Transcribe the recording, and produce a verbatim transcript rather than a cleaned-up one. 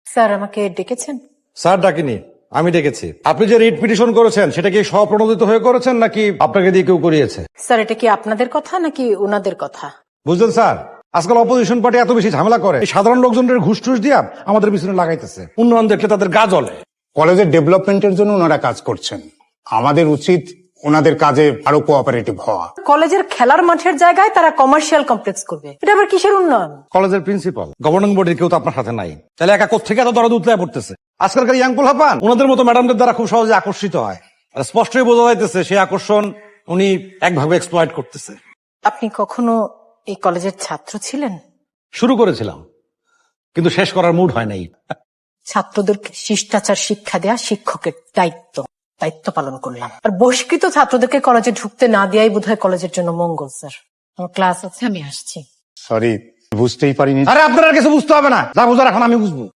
Sir আমাকে ডেকেছেন? Sir ডাকিনি, আমি ডেকেছি। আপনি যে রিট পিটিশন করেছেন সেটা কি স্বপ্রণোদিত হয়ে করেছেন নাকি আপনাকে দিয়ে কেউ করিয়েছে? স্যার এটা কি আপনাদের কথা নাকি ওনাদের কথা? বুঝলেন স্যার, আজকাল অপোজিশন পার্টি এত বেশি ঝামেলা করে, এই সাধারণ লোকজনের ঘুষ টুস দিয়া আমাদের পিছনে লাগাইতেছে। উন্নয়ন দেখলে তাদের গা জ্বলে। কলেজের ডেভেলপমেন্টের জন্য ওনারা কাজ করছেন, আমাদের উচিত ওনাদের কাজে আরো কোঅপারেটিভ হওয়া। কলেজের খেলার মাঠের জায়গায় তারা কমার্শিয়াল কমপ্লেক্স করবে, এটা আবার কিসের উন্নয়ন? কলেজের প্রিন্সিপাল, গভর্নিং বডির কেউ তো আপনার সাথে নাই, তাহলে একা কোত্থেকে এত দরদ উতলায় পড়তেছে? আজকালকার ইয়াং পোলাপান ওনাদের মতো ম্যাডামদের দ্বারা খুব সহজে আকর্ষিত হয়, আর স্পষ্টই বোঝা যাইতেছে সেই আকর্ষণ উনি একভাবে এক্সপ্লয়েট করতেছে। আপনি কখনো এই কলেজের ছাত্র ছিলেন? শুরু করেছিলাম, কিন্তু শেষ করার মুড হয় নাই। ছাত্রদেরকে শিষ্টাচার শিক্ষা দেয়া শিক্ষকের দায়িত্ব, দায়িত্ব পালন করলাম। আর বহিষ্কৃত ছাত্রদেরকে কলেজে ঢুকতে না দেয়াই বোধহয় কলেজের জন্য মঙ্গল। স্যার আমার ক্লাস আছে, আমি আসছি। সরি, বুঝতেই পারিনি। আরে আপনার আর কিছু বুঝতে হবে না, যা বুঝার এখন আমি বুঝবো।